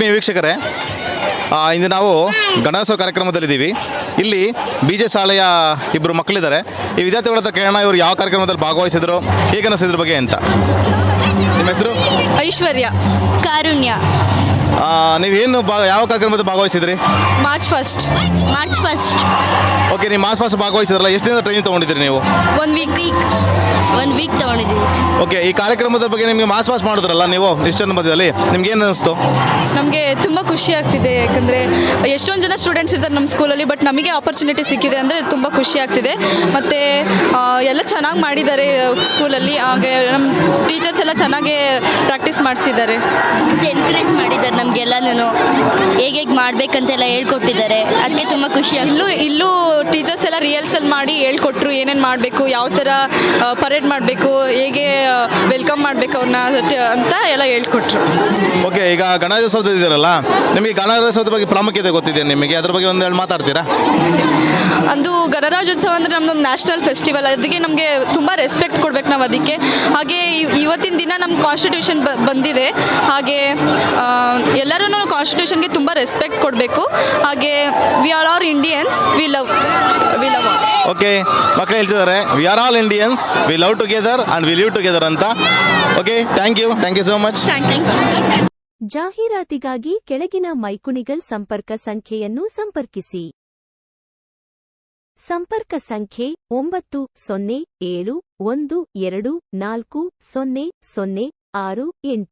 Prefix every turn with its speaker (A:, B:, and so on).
A: ಆತ್ಮೀಯ ವೀಕ್ಷಕರೇ, ಇಂದು ನಾವು ಗಣೇಶೋತ್ಸವ ಕಾರ್ಯಕ್ರಮದಲ್ಲಿದ್ದೀವಿ. ಇಲ್ಲಿ ಬಿ ಜೆ ಶಾಲೆಯ ಇಬ್ಬರು ಮಕ್ಕಳಿದ್ದಾರೆ. ಈ ವಿದ್ಯಾರ್ಥಿಗಳ ಹತ್ರ ಕೇಳೋಣ, ಇವರು ಯಾವ ಕಾರ್ಯಕ್ರಮದಲ್ಲಿ ಭಾಗವಹಿಸಿದ್ರು, ಹೇಗೆ ಅನಿಸಿದ್ರ ಬಗ್ಗೆ ಅಂತ. ನಿಮ್ಮ ಹೆಸರು?
B: ಐಶ್ವರ್ಯ.
C: ಕಾರುಣ್ಯ.
A: ನೀವೇನು ಯಾವ ಕಾರ್ಯಕ್ರಮದಲ್ಲಿ ಭಾಗವಹಿಸಿದ್ರಿ?
B: March first.
A: ಓಕೆ, ನೀವು ಮಾರ್ಚ್ ಫಸ್ಟ್ ಭಾಗವಹಿಸಿದ್ರಲ್ಲ, ಎಷ್ಟು ದಿನ ಟ್ರೈನಿಂಗ್ ತೊಗೊಂಡಿದ್ರಿ ನೀವು?
C: ಒನ್ ವೀಕ್ ತೊಗೊಂಡಿದ್ದೀವಿ.
A: ಓಕೆ, ಈ ಕಾರ್ಯಕ್ರಮದ ಬಗ್ಗೆ ನಿಮಗೆ ಮಾರ್ಚ್ ಫಾಸ್ಟ್ ಮಾಡಿದ್ರಲ್ಲ ನೀವು ಇಷ್ಟೊಂದು ಮಧ್ಯದಲ್ಲಿ, ನಿಮ್ಗೆ ಏನು ಅನಿಸ್ತು?
B: ನಮಗೆ ತುಂಬ ಖುಷಿ ಆಗ್ತಿದೆ, ಯಾಕಂದರೆ ಎಷ್ಟೊಂದು ಜನ ಸ್ಟೂಡೆಂಟ್ಸ್ ಇರ್ತಾರೆ ನಮ್ಮ ಸ್ಕೂಲಲ್ಲಿ, ಬಟ್ ನಮಗೆ ಆಪರ್ಚುನಿಟಿ ಸಿಕ್ಕಿದೆ ಅಂದರೆ ತುಂಬ ಖುಷಿ ಆಗ್ತಿದೆ. ಮತ್ತು ಎಲ್ಲ ಚೆನ್ನಾಗಿ ಮಾಡಿದ್ದಾರೆ ಸ್ಕೂಲಲ್ಲಿ, ಹಾಗೆ ನಮ್ಮ ಟೀಚರ್ಸ್ ಎಲ್ಲ ಚೆನ್ನಾಗೇ ಪ್ರಾಕ್ಟೀಸ್ ಮಾಡಿಸಿದ್ದಾರೆ,
C: ಎನ್ಕರೇಜ್ ಮಾಡಿದ್ದಾರೆ ನಮಗೆಲ್ಲನೂ, ಹೇಗೆ ಮಾಡಬೇಕಂತೆಲ್ಲ ಹೇಳ್ಕೊಟ್ಟಿದ್ದಾರೆ. ಅದಕ್ಕೆ ತುಂಬ ಖುಷಿ
B: ಇಲ್ಲೂ ಟೀಚರ್ಸ್ ಎಲ್ಲ ರಿಹರ್ಸಲ್ ಮಾಡಿ ಹೇಳ್ಕೊಟ್ರು, ಏನೇನು ಮಾಡಬೇಕು, ಯಾವ ಥರ ಪರೇಡ್ ಮಾಡಬೇಕು, ಹೇಗೆ ವೆಲ್ಕಮ್ ಮಾಡಬೇಕು ಅವ್ರನ್ನ ಅಂತ ಎಲ್ಲ ಹೇಳ್ಕೊಟ್ರು.
A: ಓಕೆ, ಈಗ ಗಣೇಶೋತ್ಸವ ಇದ್ದೀರಲ್ಲ, ನಿಮಗೆ ಗಣೇಶೋತ್ಸವದ ಬಗ್ಗೆ ಪ್ರಾಮುಖ್ಯತೆ ಗೊತ್ತಿದೆ ನಿಮಗೆ, ಅದ್ರ ಬಗ್ಗೆ ಒಂದು ಮಾತಾಡ್ತೀರಾ?
B: ಅಂದು ಗಣರಾಜ್ಯೋತ್ಸವ ಅಂದರೆ ನಮ್ಮದೊಂದು ನ್ಯಾಷನಲ್ ಫೆಸ್ಟಿವಲ್, ಅದಕ್ಕೆ ನಮಗೆ ತುಂಬ ರೆಸ್ಪೆಕ್ಟ್ ಕೊಡ್ಬೇಕು ನಾವು ಅದಕ್ಕೆ. ಹಾಗೆ ಇವತ್ತಿನ ದಿನ ನಮ್ಮ ಕಾನ್ಸ್ಟಿಟ್ಯೂಷನ್ ಬಂದಿದೆ, ಹಾಗೆ ಎಲ್ಲರೂ ಕಾನ್ಸ್ಟಿಟ್ಯೂಷನ್ಗೆ ತುಂಬ ರೆಸ್ಪೆಕ್ಟ್ ಕೊಡಬೇಕು. ಹಾಗೆ we are all Indians, we love.
A: Okay, ಮಕ್ಕಳು ಹೇಳ್ತಿದ್ದಾರೆ, we are all Indians, we love together and we live together ಅಂತ. Okay, thank you so much.
D: ಜಾಹೀರಾತಿಗಾಗಿ ಕೆಳಗಿನ ಮೈಕುಣಿಗಲ್ ಸಂಪರ್ಕ ಸಂಖ್ಯೆಯನ್ನು ಸಂಪರ್ಕಿಸಿ. ಸಂಪರ್ಕ ಸಂಖ್ಯೆ 9071240068.